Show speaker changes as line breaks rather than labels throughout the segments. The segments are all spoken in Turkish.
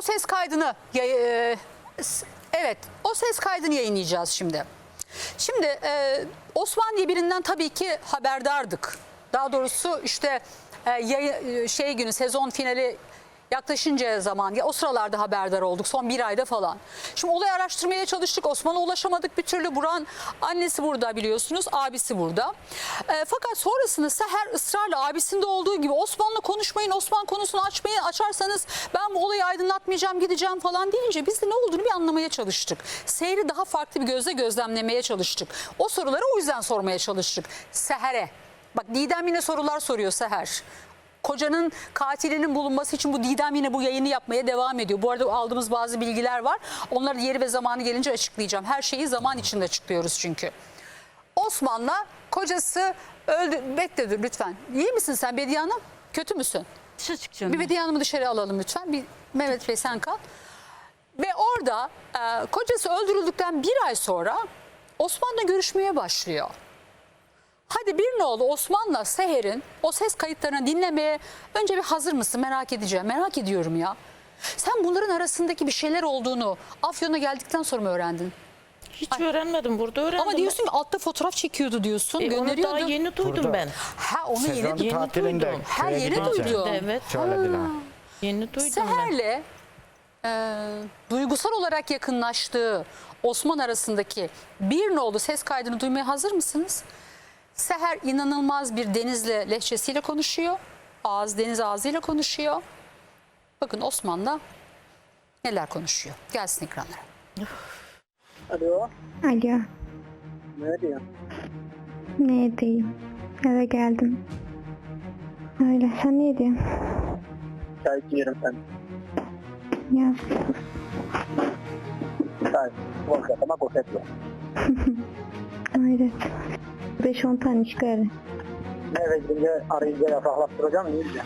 o ses kaydını evet, o ses kaydını yayınlayacağız şimdi. Şimdi Osman diye birinden tabii ki haberdardık. Daha doğrusu işte günü, sezon finali yaklaşınca zaman, o sıralarda haberdar olduk, son bir ayda falan. Şimdi olayı araştırmaya çalıştık, Osman'a ulaşamadık bir türlü. Burak'ın annesi burada biliyorsunuz, abisi burada. Fakat sonrasında Seher ısrarla abisinde olduğu gibi Osman'la konuşmayın, Osman konusunu açarsanız ben bu olayı aydınlatmayacağım, gideceğim falan deyince biz de ne olduğunu bir anlamaya çalıştık. Seher'i daha farklı bir gözle gözlemlemeye çalıştık. O soruları o yüzden sormaya çalıştık Seher'e. Bak Didem yine sorular soruyor Seher. Kocanın katilinin bulunması için bu Didem yine bu yayını yapmaya devam ediyor. Bu arada aldığımız bazı bilgiler var. Onları yeri ve zamanı gelince açıklayacağım. Her şeyi zaman içinde açıklıyoruz çünkü. Osman'la kocası öldü. Bekle dur lütfen. İyi misin sen Bediye Hanım? Kötü müsün?
Dışarı çıkacağım.
Bir Bediye Hanım'ı dışarı alalım lütfen. Bir Mehmet Bey sen kal. Ve orada kocası öldürüldükten bir ay sonra Osman'la görüşmeye başlıyor. Hadi bir nolu Osman'la Seher'in o ses kayıtlarını dinlemeye önce bir hazır mısın merak edeceğim. Merak ediyorum ya. Sen bunların arasındaki bir şeyler olduğunu Afyon'a geldikten sonra mı öğrendin?
Hiç öğrenmedim, burada öğrendim.
Ama diyorsun ki altta fotoğraf çekiyordu diyorsun,
Onu
gönderiyordu.
daha yeni duydum
Burada.
ben.
Ha onu
Sezon
yeni
tatilinde
duydum.
Ha,
köye
yeni
gidince
duydum.
Evet.
söylediler.
Yeni duydum ben.
Seher'le duygusal olarak yakınlaştığı Osman arasındaki bir nolu ses kaydını duymaya hazır mısınız? Seher inanılmaz bir Deniz'le lehçesiyle konuşuyor. Deniz ağzıyla konuşuyor. Bakın Osman'la neler konuşuyor. Gelsin ekranlara.
Alo,
Alo,
ne diyor?
ne edeyim? Eve geldim. Öyle, sen ne ediyorsun?
Çay içiyorum sen.
Ya,
Çay, boş yapma, boş etme.
hayret. 5-10 tane çıkarı.
Eve gidince arayınca yasaklattıracağım, ne diyeceğim?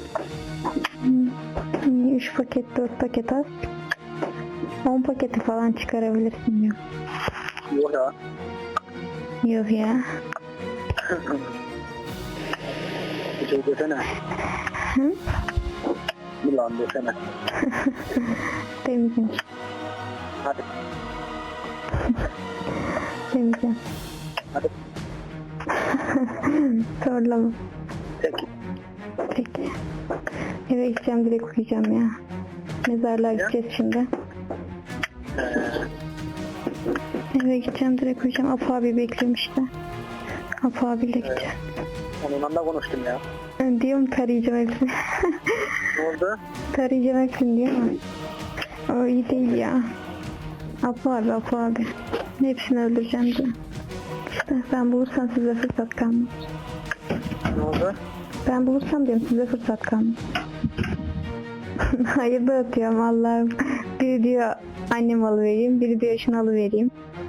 3 paket, 4 paket az. 10 paketi falan çıkarabilirsin diyor.
Yok ya.
Yok ya.
Bir şey desene.
Hı?
Yılan desene.
Demeyeceğim.
Hadi,
Demeyeceğim.
hadi.
Zorlama.
Peki.
Peki. Eve gideceğim, direkt uyuyacağım ya. Mezarlığa gideceğiz şimdi. Eve gideceğim, direkt uyuyacağım. Apo abi bekliyorum işte. Apo abiyle gideceğim.
Onunla da konuştum ya.
Diyorum tarayacağım hepsini.
Ne oldu?
Tarayacağım hepsini diyor ama. O iyi değil ya. Apo abi, Apo abi. Hepsini öldüreceğim diyor. İşte ben bulursam size fırsat kalmaz.
Ne oldu?
Ben bulursam diyorum size fırsat kalmaz. Hayır da atıyorum Allah'ım. Biri diyor annem alıvereyim, biri diyor şunu alıvereyim.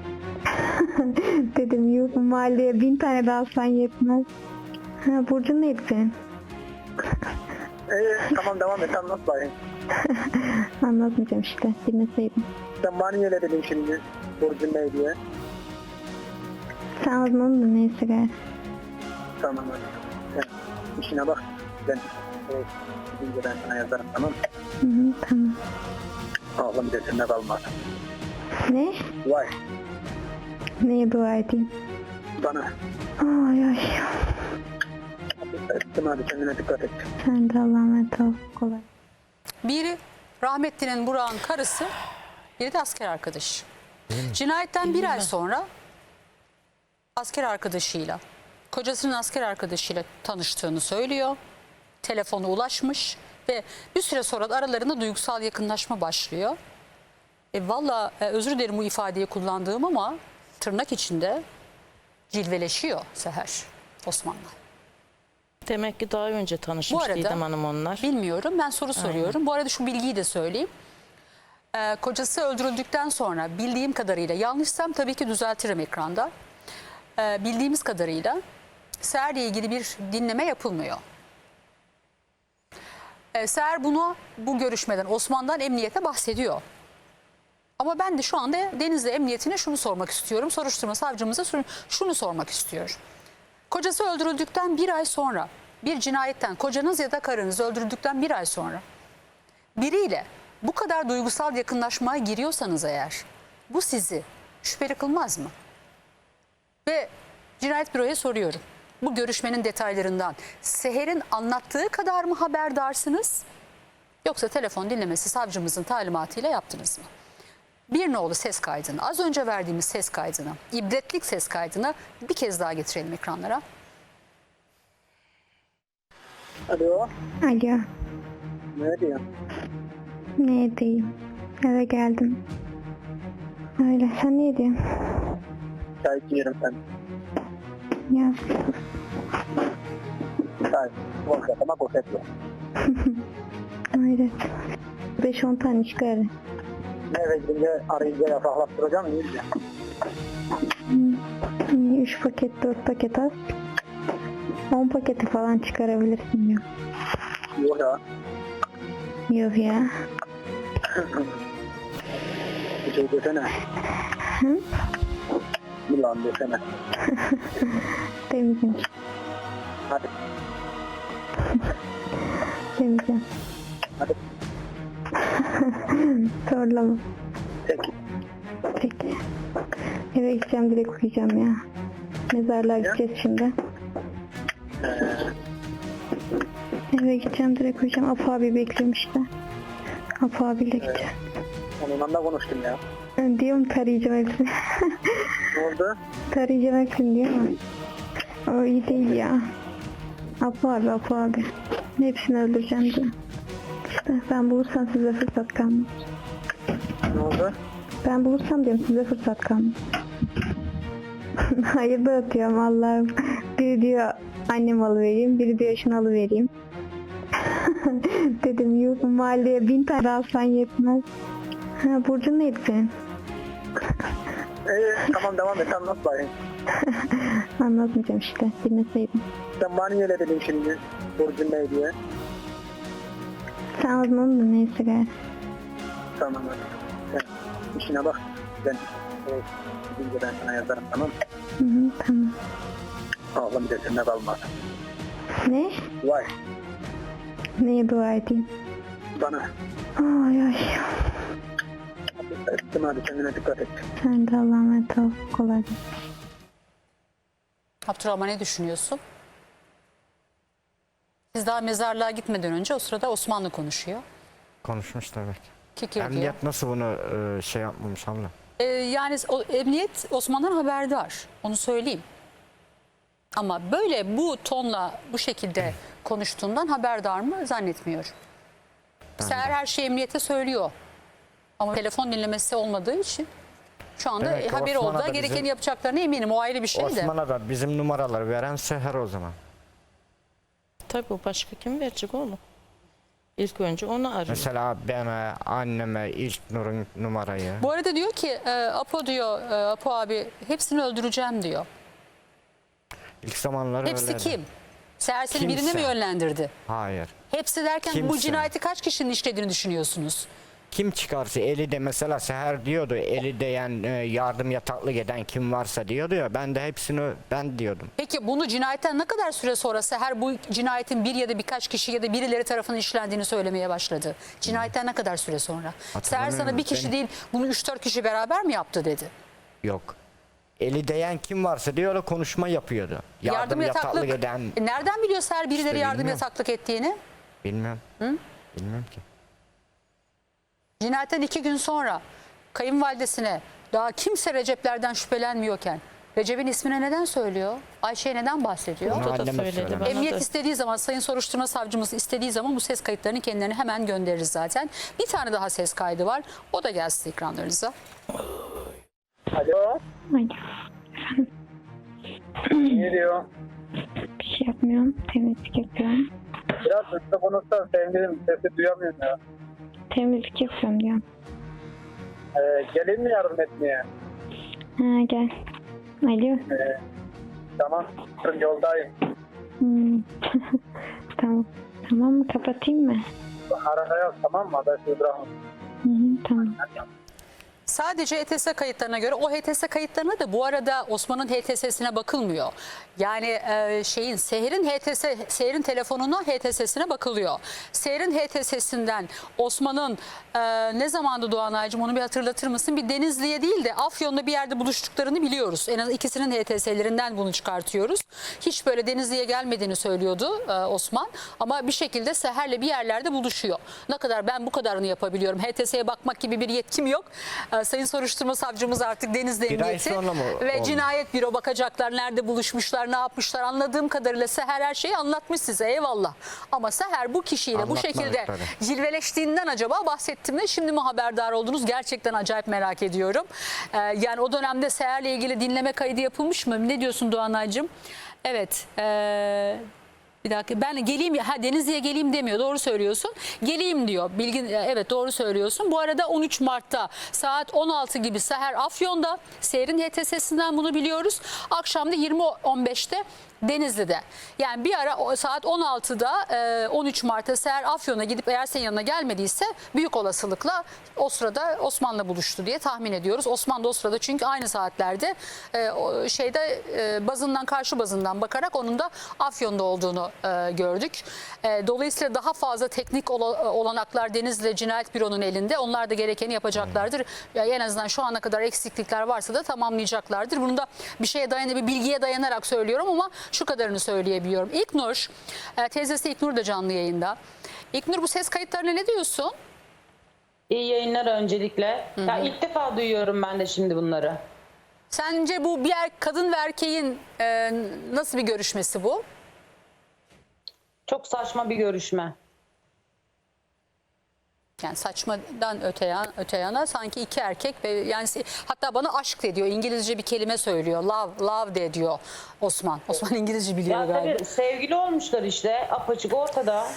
Dedim yok mahalleye 1000 tane daha alsan yetmez. Ha, Burcun neydi senin?
Tamam devam et, anlat bakayım.
Anlatmayacağım işte, dinleseydin.
Sen bana niye öyle dedin şimdi? Burcun ne diye?
Sen anladın da neyse gayet.
Tamam hadi. Sen işine bak. Ben gidince ben sana yazarım, tamam mı?
Hı hı, tamam.
Aklım gözümde kalmaz.
Ne?
Vay,
Neye dua edeyim?
bana.
Ay ay.
Hadi kendine dikkat et.
Sen de Allah'a emanet ol. Kolay.
Biri rahmetlinin Burak'ın karısı, biri de asker arkadaşı. Cinayetten bir ay sonra asker arkadaşıyla, kocasının asker arkadaşıyla tanıştığını söylüyor. Telefonu ulaşmış ve bir süre sonra da aralarında duygusal yakınlaşma başlıyor. Valla özür dilerim bu ifadeyi kullandığım ama tırnak içinde cilveleşiyor Seher Osman'la.
Demek ki daha önce
Bu
tanışmış
arada
Didem Hanım onlar.
bilmiyorum, ben soru soruyorum. Bu arada şu bilgiyi de söyleyeyim. Kocası öldürüldükten sonra bildiğim kadarıyla, yanlışsam tabii ki düzeltirim ekranda. Bildiğimiz kadarıyla Seher'le ilgili bir dinleme yapılmıyor. Seher bu görüşmeden Osman'dan emniyete bahsediyor. Ama ben de şu anda Denizli Emniyetine şunu sormak istiyorum. Soruşturma savcımıza şunu sormak istiyorum. Kocası öldürüldükten bir ay sonra, bir cinayetten, kocanız ya da karınız öldürüldükten bir ay sonra biriyle bu kadar duygusal yakınlaşmaya giriyorsanız eğer bu sizi şüpheli kılmaz mı? Ve cinayet büroya soruyorum. Bu görüşmenin detaylarından Seher'in anlattığı kadar mı haberdarsınız? Yoksa telefon dinlemesi savcımızın talimatıyla yaptınız mı? Bir nolu ses kaydını, az önce verdiğimiz ses kaydını, ibretlik ses kaydını bir kez daha getirelim ekranlara.
Alo.
Alo.
Ne diyorsun?
Ne diyeyim? Eve geldim. Öyle. Sen ne diyorsun?
Çay içiyorum ben.
Ya
Çay. Boşalt ama boşalt yok.
hayret. 5-10 tane çıkar.
Eve gidince arayınca yasaklattıracağım. İyi de.
3 paket 4 paket az. 10 paketi falan çıkarabilirsin diyor.
Yok ya.
Yok ya.
Bir şey desene.
Hı?
Yılan desene.
Temizim.
Hadi.
Temizim.
Hadi.
Zorlama.
Peki.
Peki. Eve gideceğim, direkt uyuyacağım ya. Mezarlığa gideceğiz şimdi. Eve gideceğim, direkt uyuyacağım. Apo abi bekliyorum işte. Apo abiyle gideceğim.
Onunla da konuştum ya.
Diyorum tarayacağım hepsini.
Ne oldu?
Tarayacağım hepsini diyor ama. O iyi değil ya. Apo abi. Hepsini öldüreceğim diyor. İşte ben bulursam size fırsat kalmaz.
Ne oldu?
Ben bulursam diyorum size fırsat kalmaz. Hayır da atıyorum Allah'ım. Biri diyor annem alıvereyim, biri diyor şunu alıvereyim. Dedim yuh, mahalleye 1000 tane alsan yetmez. Ha, Burcu neydi senin?
Tamam devam et anlat bakayım.
Anlatmayacağım işte, bilmeseydim.
Sen bana niye öyle dedin şimdi? Burcun ne diye?
Sen aldın onu da neyse gayet.
Tamam hadi. Sen işine bak. Ben gidince ben sana yazarım tamam mı?
Hı, tamam.
Ağlam bir de sende kalmaz.
Ne?
Vay
Neye dua edeyim?
bana.
Ay ay.
Ettim hadi kendine dikkat et.
Sen de Allah'a emanet ol. Kolay gelsin.
Abdurrahman ne düşünüyorsun? Siz daha mezarlığa gitmeden önce o sırada Osmanlı konuşuyor.
Konuşmuş tabii.
Kikir diyor.
Emniyet nasıl bunu şey yapmamış abla?
Yani emniyet Osman'dan haberdar. Onu söyleyeyim. Ama böyle bu tonla bu şekilde konuştuğundan haberdar mı zannetmiyorum. Seher her şeyi emniyete söylüyor. Ama telefon dinlemesi olmadığı için şu anda
Demek ki
haberi
Osman'a
oldu.
da
Gerekeni
bizim-
yapacaklarına eminim. O ayrı bir şey de.
Osman'a da bizim numaraları veren Seher o zaman.
Tabii o başka kim verecek oğlum? İlk önce onu arıyor.
Mesela bana, anneme ilk Nur'un numarayı.
Bu arada diyor ki Apo diyor, Apo abi hepsini öldüreceğim diyor.
İlk zamanları
Hepsi
öyleydi.
kim? Seher seni birine mi
Kimse.
yönlendirdi?
Hayır.
Hepsi derken bu
Kimse.
cinayeti kaç kişinin işlediğini düşünüyorsunuz?
Kim çıkarsa eli de mesela Seher diyordu eli değen yardım yataklık eden kim varsa diyordu ya ben de hepsini ben diyordum.
Peki bunu cinayetten ne kadar süre sonra Seher bu cinayetin bir ya da birkaç kişi ya da birileri tarafından işlendiğini söylemeye başladı? Cinayetten ne kadar süre sonra? Seher sana bir kişi
Ben-
değil bunu 3-4 kişi beraber mi yaptı dedi?
Yok. Eli değen kim varsa diyor konuşma yapıyordu. Yardım yataklık eden
Nereden biliyor Seher birileri
İşte
yardım
bilmiyorum.
yataklık ettiğini?
bilmem. Bilmem ki.
Cinayetten 2 gün sonra kayınvalidesine daha kimse Recep'lerden şüphelenmiyorken Recep'in ismine neden söylüyor? Ayşe'ye neden bahsediyor?
Bunu
O da
anneme
söyledi
söylemiş.
bana
Emniyet
da.
istediği zaman, Sayın Soruşturma Savcımız istediği zaman bu ses kayıtlarını kendilerine hemen göndeririz zaten. Bir tane daha ses kaydı var. O da gelsin ekranlarınıza.
Alo.
Ay,
Ne diyor?
bir şey yapmıyorum. Temizlik yapıyorum.
Biraz hızlı konuşsan sevgilim sesi duyamıyorum ya.
Temizlik yapıyorum diyorum.
Geleyim mi yardım etmeye?
Ha gel. Alo.
Tamam. Yoldayım.
Hmm. Tamam. Tamam mı? Kapatayım mı?
Arada yaz tamam mı? Habersiz bırakma.
Hı hı, tamam.
Sadece HTS kayıtlarına göre, o HTS kayıtlarına da bu arada Osman'ın HTS'sine bakılmıyor. Yani Seher'in telefonuna HTS'sine bakılıyor. Seher'in HTS'sinden Osman'ın ne zamandı Doğanay'cığım, onu bir hatırlatır mısın? Bir Denizli'ye değil de Afyon'da bir yerde buluştuklarını biliyoruz. En az ikisinin HTS'lerinden bunu çıkartıyoruz. Hiç böyle Denizli'ye gelmediğini söylüyordu Osman. Ama bir şekilde Seher'le bir yerlerde buluşuyor. Ne kadar, ben bu kadarını yapabiliyorum. HTS'ye bakmak gibi bir yetkim yok. Sayın Soruşturma Savcımız artık Denizli
Bir ay
Emniyeti
sonra mı
ve
oldu?
Cinayet Büro bakacaklar. Nerede buluşmuşlar, ne yapmışlar. Anladığım kadarıyla Seher her şeyi anlatmış size, eyvallah. Ama Seher bu kişiyle bu
Anlatmadık
şekilde
tabii.
cilveleştiğinden acaba bahsettim de şimdi mi haberdar oldunuz? Gerçekten acayip merak ediyorum. Yani o dönemde Seher'le ilgili dinleme kaydı yapılmış mı? Ne diyorsun Doğanay'cığım? Evet. Bir dakika, ben geleyim, Denizli'ye geleyim demiyor, doğru söylüyorsun. Geleyim diyor. Evet, doğru söylüyorsun. Bu arada 13 Mart'ta saat 16 gibi Seher Afyon'da, Seher'in HTS'sinden bunu biliyoruz. Akşam da 20.15'te Denizli'de. Yani bir ara saat 16'da 13 Mart'ta Seher Afyon'a gidip eğer senin yanına gelmediyse büyük olasılıkla o sırada Osman'la buluştu diye tahmin ediyoruz. Osman da o sırada, çünkü aynı saatlerde karşı bazından bakarak onun da Afyon'da olduğunu gördük. Dolayısıyla daha fazla teknik olanaklar Denizli Cinayet Büro'nun elinde. Onlar da gerekeni yapacaklardır. Yani en azından şu ana kadar eksiklikler varsa da tamamlayacaklardır. Bunu da bir bilgiye dayanarak söylüyorum ama şu kadarını söyleyebiliyorum. İlknur, teyzesi İlknur da canlı yayında. İlknur, bu ses kayıtlarına ne diyorsun?
İyi yayınlar öncelikle. Ya ilk defa duyuyorum ben de şimdi bunları.
Sence bu bir kadın ve erkeğin nasıl bir görüşmesi bu?
Çok saçma bir görüşme.
Yani saçmadan öte yana sanki iki erkek ve yani hatta bana aşk de diyor. İngilizce bir kelime söylüyor. Love de diyor Osman. Osman İngilizce biliyor
Ya
galiba.
tabii sevgili olmuşlar işte, apaçık ortada.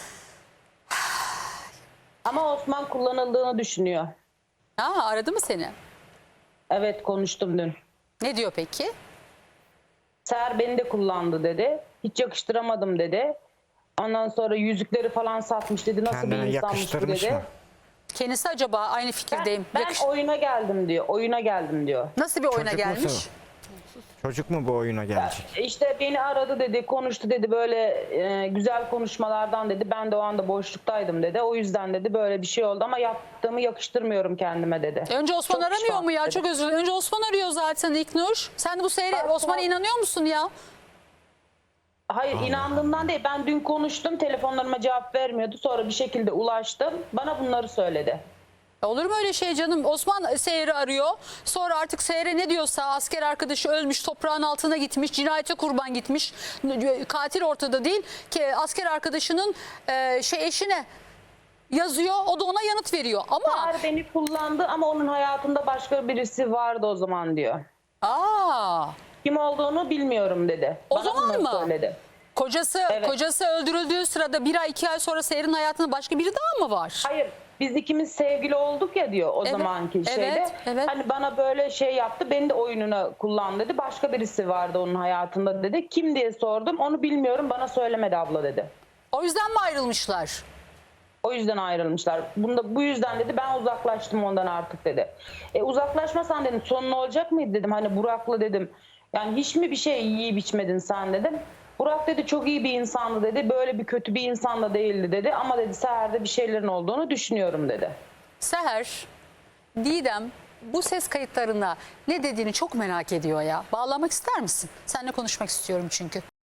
Ama Osman kullanıldığını düşünüyor.
Aradı mı seni?
Evet, konuştum dün.
Ne diyor peki?
Seher beni de kullandı dedi. Hiç yakıştıramadım dedi. Ondan sonra yüzükleri falan satmış dedi. Nasıl
Kendine
bir insanmış bu
yakıştırmış
dedi.
mı?
Kendisi acaba aynı fikirdeyim.
Ben oyuna geldim diyor. Oyuna geldim diyor.
Nasıl bir oyuna
Çocuk
gelmiş?
musun? Çocuk mu bu oyuna gelecek?
İşte beni aradı dedi, konuştu dedi, böyle güzel konuşmalardan dedi. Ben de o anda boşluktaydım dedi. O yüzden dedi böyle bir şey oldu ama yaptığımı yakıştırmıyorum kendime dedi.
Önce Osman
Çok
aramıyor
pişman
mu ya?
dedi.
Çok özür dilerim. Önce Osman arıyor zaten İlknur. Sen de bu Osman'a inanıyor musun ya?
Hayır, inandığımdan değil. Ben dün konuştum, telefonlarıma cevap vermiyordu. Sonra bir şekilde ulaştım. Bana bunları söyledi.
Olur mu öyle şey canım? Osman Seher'i arıyor. Sonra artık Seher'e ne diyorsa, asker arkadaşı ölmüş, toprağın altına gitmiş, cinayete kurban gitmiş. Katil ortada değil ki, asker arkadaşının eşine yazıyor. O da ona yanıt veriyor. Ama
Seher beni kullandı ama onun hayatında başka birisi vardı o zaman diyor. Kim olduğunu bilmiyorum dedi.
O
Bana
zaman
bunları
mı?
Söyledi.
Kocası öldürüldüğü sırada 1 ay 2 ay sonra Seher'in hayatında başka biri daha mı var?
Hayır, biz ikimiz sevgili olduk ya diyor o
Evet,
zamanki şeyde.
evet.
Hani bana böyle şey yaptı, beni de oyununa kullan dedi. Başka birisi vardı onun hayatında dedi. Kim diye sordum, onu bilmiyorum, bana söylemedi abla dedi.
O yüzden mi ayrılmışlar?
O yüzden ayrılmışlar. Bu yüzden dedi ben uzaklaştım ondan artık dedi. Uzaklaşmasan dedim sonun olacak mıydı dedim. Hani Burak'la dedim. Yani hiç mi bir şey yiyip içmedin sen dedim. Burak dedi çok iyi bir insandı dedi. Böyle bir kötü bir insan da değildi dedi. Ama dedi Seher'de bir şeylerin olduğunu düşünüyorum dedi.
Seher, Didem bu ses kayıtlarına ne dediğini çok merak ediyor ya. Bağlamak ister misin? Seninle konuşmak istiyorum çünkü.